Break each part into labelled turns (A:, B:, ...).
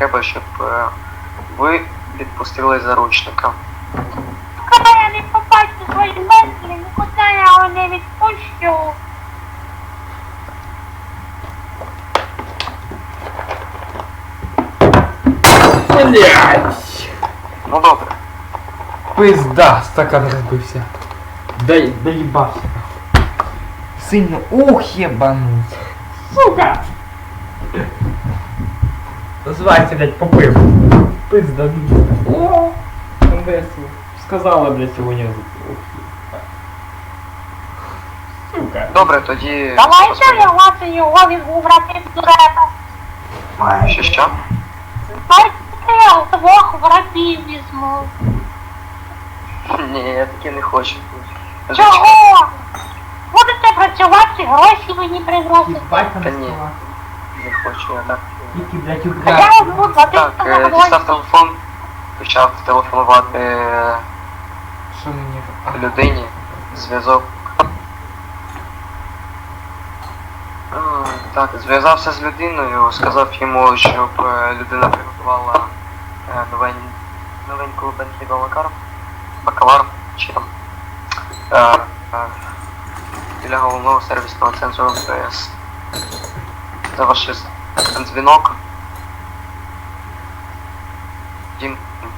A: треба, щоб ви відпустили заручника.
B: Коли я не побачу свої Бентлі, нікуди я його не відпущу.
C: Блять!
A: Ну добре.
C: Пизда, стакан разбився. Доебался. Сильно, ух, ебануть. Сука! Называется, блядь, попив. Пизда, о, весело. Сказала, блядь, сегодня. Сука.
A: Добре, тоді...
B: Давайте вливати його відбрати з дурета.
A: Що?
B: Давайте я двох врагів візьму.
A: Ні, я таки не хочу.
B: Чого? Будете працювати, гроші мені приносити.
C: Ебать там
A: Та ні.
C: слова.
A: Не хочу я так.
C: Тільки, блядь,
B: А я
C: украсть.
B: от буду платити
A: Так,
B: за
A: дістав
B: гроші.
A: телефон, почав телефонувати
C: Що мені?
A: людині, зв'язок. Так, зв'язався з людиною, сказав йому, щоб людина приготувала новеньку Bentley Бакалар, чи там, біля головного сервісного центру МТС. За ваш дзвінок. Дім.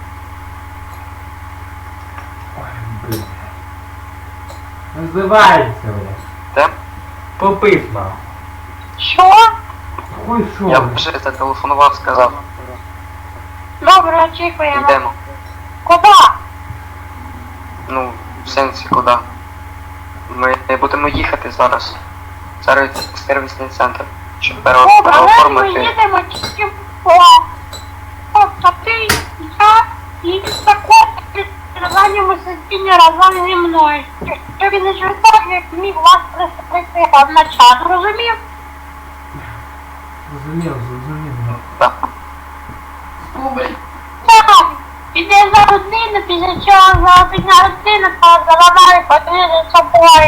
C: Ой, блядь. Називається, блядь.
A: Де?
C: Попив, нахуй.
B: Що?
C: Хуй шо,
A: Я
C: блядь.
A: вже зателефонував, сказав.
B: Добре, очікуємо.
A: Йдемо.
B: Куди?
A: Ну, в сенсі куди? Ми будемо їхати зараз. Сервісний центр. Щоб
B: Добре, але ми
A: переоформити.
B: їдемо тільки по... Тобто ти, я і також задньому сидінні разом зі мною. Щоб він не чувствував, як міг вас приступити одночасно, розумів?
C: Зрозумів.
A: Так.
B: Так, іде за родину, після чого за родину, то заладає подвір'я собою.